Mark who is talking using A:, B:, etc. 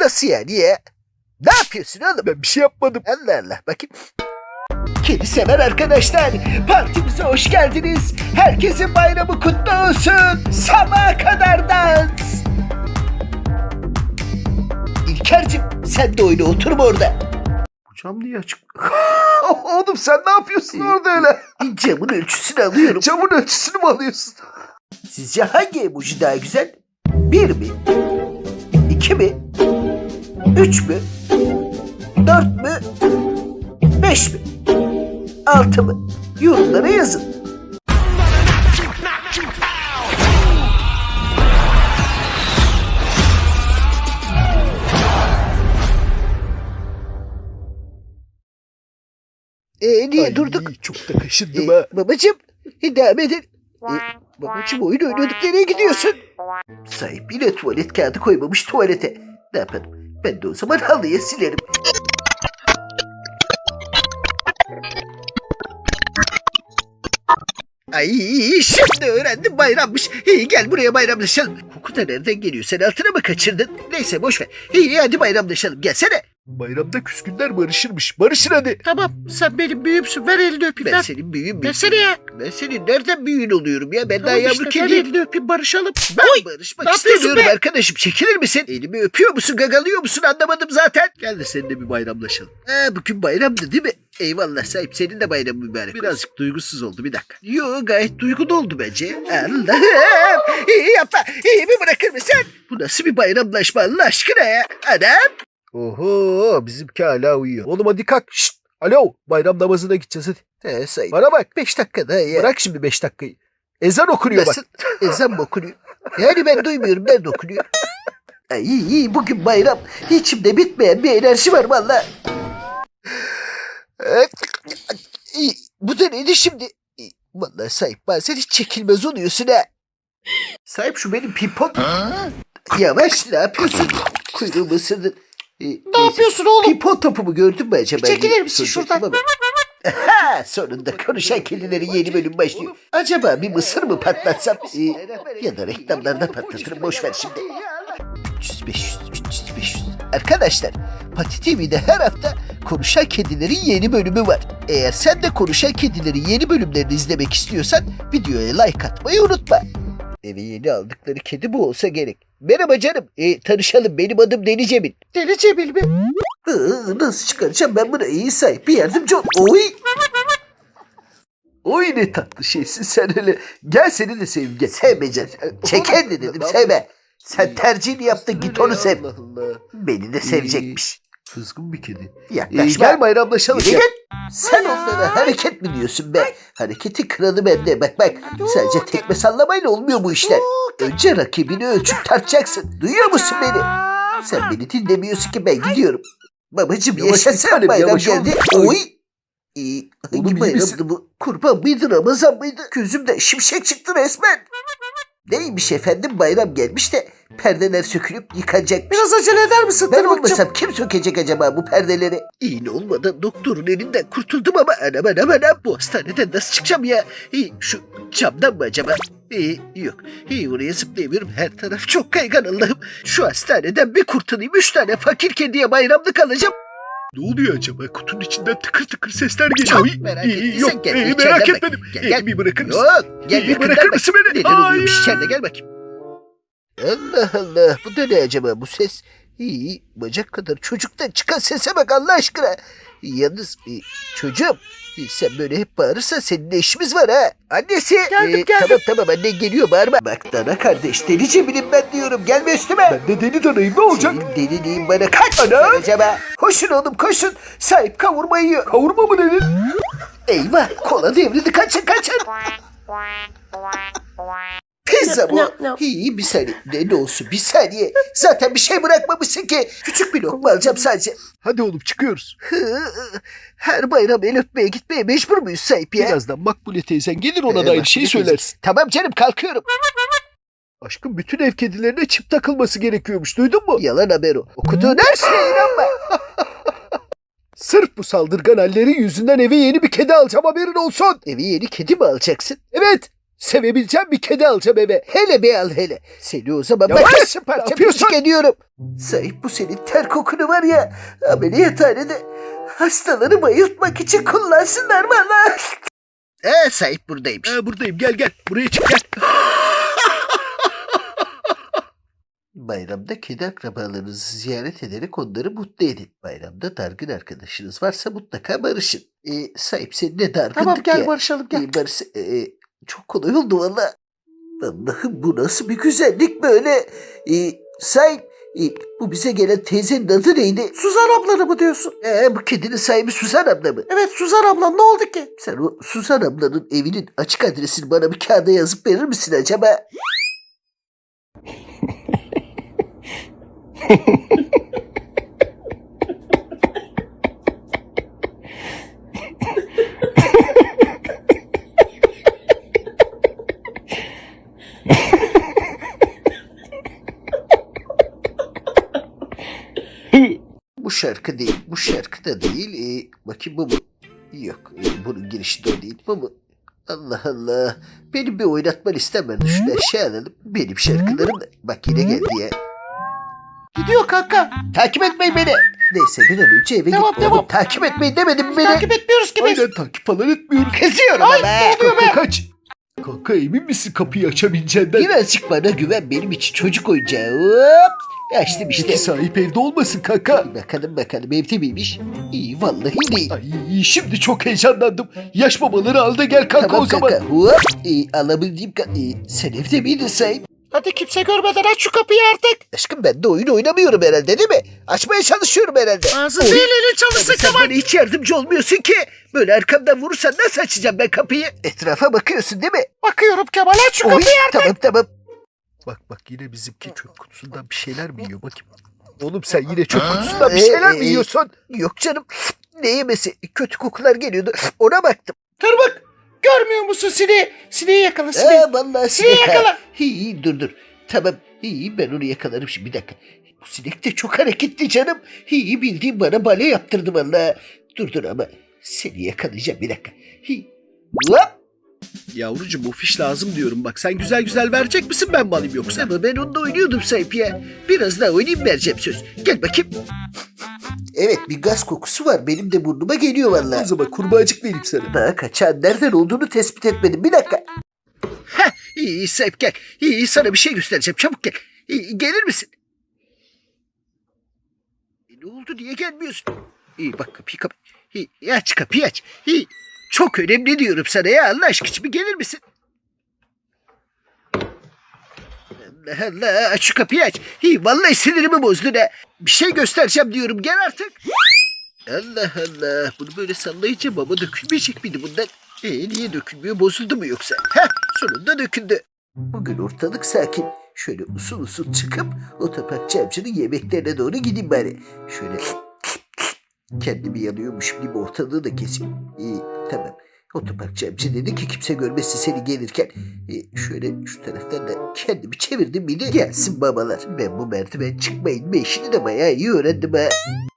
A: Nasıl yani ya? Ne yapıyorsun oğlum?
B: Ben bir şey yapmadım.
A: Allah Allah bakayım. Kedi sever arkadaşlar, partimize hoş geldiniz. Herkesin bayramı kutlu olsun. Sabaha kadar dans. İlker'cim sen de oyna, oturma orada.
B: Bu cam niye açık? Oğlum sen ne yapıyorsun orada öyle?
A: Camın ölçüsünü alıyorum.
B: Camın ölçüsünü mü alıyorsun?
A: Sizce hangi emoji daha güzel? 1 mi? 2 mi? 3 mü? 4 mü? 5 mi? 6 mı? Yorumlara yazın. Niye
B: Ay,
A: durduk?
B: Çok da kaşındım ha.
A: Babacım, devam edin. Babacım oyun oynadık, nereye gidiyorsun? Sahip yine tuvalet kağıdı koymamış tuvalete. Ne yapalım? Ben de o zaman halıya silerim. Ay şimdi öğrendim, bayrammış. İyi gel buraya bayramlaşalım. Koku da nereden geliyor? Sen altına mı kaçırdın? Neyse boş ver. İyi hadi bayramlaşalım, gelsene.
B: Bayramda küskünler barışırmış. Barışın hadi.
A: Tamam sen benim büyüğümsün, ver elini öpeyim. Ben senin büyüğün müyüm?
C: Versene ya.
A: Ben senin nereden büyüğün oluyorum ya? Ben daha
C: Tamam
A: yavru
C: işte, ver
A: kediyim.
C: elini öpeyim, barışalım.
A: Ben
C: Oy,
A: barışmak
C: ne yapıyorsun
A: istemiyorum
C: be?
A: arkadaşım. Çekilir misin? Elimi öpüyor musun, gagalıyor musun anlamadım zaten. Gel de seninle bir bayramlaşalım. Bugün bayramdı değil mi? Eyvallah sahip, senin de bayramın mübarek. Birazcık duygusuz oldu, bir dakika. Yo gayet duygulu oldu bence. Allah'ım. İyi yapma. İyi mi bırakır mısın? Bu nasıl bir bayramlaşma Allah aşkına ya? Adam.
B: Oho bizimki hala uyuyor. Oğlum hadi kalk. Şşt. Alo bayram namazına gideceğiz hadi.
A: Sahip.
B: Bana bak.
A: 5 dakika daha ya.
B: Bırak şimdi 5 dakikayı. Ezan okunuyor
A: Nasıl?
B: bak.
A: Ezan mı okunuyor? Yani ben duymuyorum, nerede okunuyor? Ay, iyi bugün bayram. İçimde bitmeyen bir enerji var valla. Bu da neydi şimdi? Vallahi sahip bazen hiç çekilmez oluyorsun ha. Sahip şu benim pimpon. Yavaş, ne yapıyorsun? Kuyruğumu ısırdın.
C: Ne yapıyorsun oğlum?
A: Pimpon topumu gördün mü acaba?
C: Çekilir misin
A: Soracaktım
C: şuradan?
A: ama. Ha, sonunda konuşan kedilerin yeni bölüm başlıyor. Acaba bir mısır mı patlatsam? Ya da reklamlarda patlatırım, boş ver şimdi. 300-500, 300-500. Arkadaşlar, Pati TV'de her hafta Konuşan Kedilerin yeni bölümü var. Eğer sen de Konuşan Kedilerin yeni bölümlerini izlemek istiyorsan videoya like atmayı unutma. Eve yeni aldıkları kedi bu olsa gerek. Merhaba canım, tanışalım, benim adım Deli Cemil.
C: Deli Cemil mi?
A: Nasıl çıkaracağım ben bunu? İyi sahip, bir yardımcı ol. Oy! Oy ne tatlı şeysin sen öyle. Gel seni de seveyim gel. Sevmeyeceğim. Çeken de dedim, sevme. Sen tercihini yaptın, git onu sev.
B: Allah Allah.
A: Beni de sevecekmiş.
B: Kızgın bir kedi.
A: Yaklaşma.
B: Gel bayramlaşalım.
A: Yürü
B: Gel.
A: git. Sen onlara hareket mi diyorsun be? Hareketin kralı bende. Bak bak. Sadece tekme sallamayla olmuyor bu işler. Önce rakibini ölçüp tartacaksın. Duyuyor musun beni? Sen beni dinlemiyorsun ki, ben gidiyorum. Babacım
B: Yavaş bir
A: yaşasın,
B: tanem,
A: bayram
B: yavaş ol.
A: geldi.
B: Oy.
A: Oy.
B: Oğlum,
A: Hangi
B: iyi
A: bayramdı
B: misin?
A: bu? Kurban mıydı, Ramazan mıydı? Gözümde şimşek çıktı resmen. Neymiş efendim, bayram gelmiş de perdeler sökülüp yıkanacakmış.
C: Biraz acele eder misin?
A: Ben
C: Dur bakacağım.
A: olmasam kim sökecek acaba bu perdeleri? İğne olmadan doktorun elinden kurtuldum ama anam bu hastaneden nasıl çıkacağım ya? Şu camdan mı acaba? Yok. Oraya zıplayamıyorum. Her taraf çok kaygan Allah'ım. Şu hastaneden bir kurtulayım. 3 tane fakir kediye bayramlık alacağım.
B: Ne oluyor acaba? Kutunun içinden tıkır tıkır sesler geliyor.
A: Çok merak ettiysen
B: Yok
A: gel,
B: merak
A: içeriden bak.
B: etmedim.
A: Gel.
B: Bir bırakır mısın?
A: Yok. Gel
B: Bir bırakır mısın beni?
A: Neler oluyormuş
B: Hayır.
A: içeride, gel bakayım. Allah Allah, bu da ne acaba bu ses? Bacak kadar çocuktan çıkan sese bak Allah aşkına. Yalnız çocuğum, sen böyle hep bağırırsan seninle işimiz var ha. Annesi.
C: Geldim.
A: Tamam annen geliyor, bağırma. Bak Dana kardeş, deli Cemil'im ben diyorum, gelme üstüme.
B: Ben de deli danayım, ne olacak?
A: Senin deliliğin bana kaç para acaba? Koşun oğlum koşun, sahip kavurma yiyor.
B: Kavurma mı dedin?
A: Eyvah, kola devrildi, kaçın. Pizza bu.
C: No.
A: İyi bir saniye. Ne olsun bir saniye. Zaten bir şey bırakmamışsın ki. Küçük bir lokma alacağım sadece.
B: Hadi oğlum çıkıyoruz.
A: Her bayram el öpmeye gitmeye mecbur muyuz sahip ya?
B: Birazdan Makbule teyzen gelir, ona da aynı şeyi söylersin.
A: Tamam canım, kalkıyorum.
B: Aşkım bütün ev kedilerine çip takılması gerekiyormuş, duydun mu?
A: Yalan haber o. Okuduğun her şeye inanma.
B: Sırf bu saldırgan hallerin yüzünden eve yeni bir kedi alacağım, haberin olsun.
A: Eve yeni kedi mi alacaksın?
B: Evet. Sevebileceğim bir kedi alacağım eve.
A: Hele bir al hele. Seni o zaman
B: Yavaş,
A: makasla
B: ne
A: parça
B: yapıyorsun?
A: parça ediyorum. Sahip bu senin ter kokunu var ya ameliyathanede hastaları bayıltmak için kullansınlar valla. Sahip buradaymış.
B: Buradayım gel. Buraya çık gel.
A: Bayramda kedi akrabalarınızı ziyaret ederek onları mutlu edin. Bayramda dargın arkadaşınız varsa mutlaka barışın. Sahip seninle dargındık
C: Tamam gel
A: ya.
C: barışalım gel.
A: Çok kolay oldu valla. Allah'ım bu nasıl bir güzellik böyle. Sahip bu bize gelen teyzenin adı neydi?
C: Suzan ablanı mı diyorsun?
A: Bu kedinin sahibi Suzan abla mı?
C: Evet Suzan ablan ne oldu ki?
A: Sen o Suzan ablanın evinin açık adresini bana bir kağıda yazıp verir misin acaba? Bu şarkı değil. Bu şarkı da değil. Bakayım bu mu? Yok. Bunun girişi de o değil. Bu mu? Allah Allah. Benim bir oynatma listem vardı. Şunu aşağı alalım. Benim şarkılarım da. Bak yine geldi ya.
C: Gidiyor kanka.
A: Takip etmeyin beni. Neyse bir an önce eve
C: Devam,
A: git.
C: devam.
A: Oğlum, takip etmeyin demedim mi beni.
C: Takip etmiyoruz ki biz.
B: Aynen takip falan etmiyoruz.
A: Kızıyorum
C: Ay
A: ama.
C: ne oluyor be?
B: Kanka kaç. Kanka emin misin kapıyı açabileceğinden?
A: Birazcık bana güven. Benim için çocuk oyuncağı. Hop. Açtım işte.
B: Peki sahip evde olmasın kanka.
A: Bakalım evde miymiş? İyi vallahi değil.
B: Ay şimdi çok heyecanlandım. Yaş babaları al da gel kanka
A: Tamam
B: o zaman.
A: kanka. Hop. Alabildiğim sen evde miydin sahip?
C: Hadi kimse görmeden aç şu kapıyı artık.
A: Aşkım ben de oyun oynamıyorum herhalde değil mi? Açmaya çalışıyorum herhalde.
C: Ağzı
A: Oy.
C: değil elin çalışsın
A: Sen
C: tamam.
A: bana hiç yardımcı olmuyorsun ki. Böyle arkamdan vurursan nasıl açacağım ben kapıyı? Etrafa bakıyorsun değil mi?
C: Bakıyorum Kemal aç şu
A: Oy,
C: kapıyı artık.
A: tamam.
B: Bak yine bizimki çöp kutusundan bir şeyler mi yiyor bakayım. Oğlum sen yine çöp kutusundan bir şeyler mi yiyorsun?
A: Yok canım. Ne yemesi? Kötü kokular geliyordu. Ona baktım.
C: Tırmık. Görmüyor musun sineği? Sineği yakala sineği.
A: Vallahi
C: Sineği
A: sinek.
C: yakala.
A: Dur. Tamam. Ben onu yakalarım şimdi bir dakika. Bu sinek de çok hareketli canım. Bildiğin bana bale yaptırdı vallahi. Dur ama seni yakalayacağım bir dakika. Hop.
B: Yavrucuğum o fiş lazım diyorum bak. Sen güzel verecek misin ben mi alayım yoksa?
A: Ama ben onunla oynuyordum sahip ya. Biraz daha oynayayım vereceğim söz. Gel bakayım. Evet bir gaz kokusu var. Benim de burnuma geliyor
B: O
A: vallahi.
B: zaman kurbağacık vereyim sana.
A: Daha kaçan nereden olduğunu tespit etmedim. Bir dakika. İyi sahip gel. Sana bir şey göstereceğim. Çabuk gel. Gelir misin? Ne oldu? Niye gelmiyorsun? Bak kapıyı kapat. Aç kapıyı aç. Çok önemli diyorum sana ya. Allah aşkına bir gelir misin? Allah Allah aç şu kapıyı aç. Vallahi sinirimi bozdun ha. Bir şey göstereceğim diyorum. Gel artık. Allah Allah. Bunu böyle sallayınca baba dökülmeyecek miydi bundan? Niye dökülmüyor? Bozuldu mu yoksa? Sonunda döküldü. Bugün ortalık sakin. Şöyle usul çıkıp otoparkçı amcanın yemeklerine doğru gideyim bari. Şöyle kendimi yanıyormuşum gibi ortalığı da keseyim. Tamam. Otoparkçı amca dedi ki kimse görmesin seni gelirken. Şöyle şu taraftan da kendimi çevirdim miydi? Gelsin babalar. Ben bu merdiven çıkmayın işini de bayağı iyi öğrendim ha.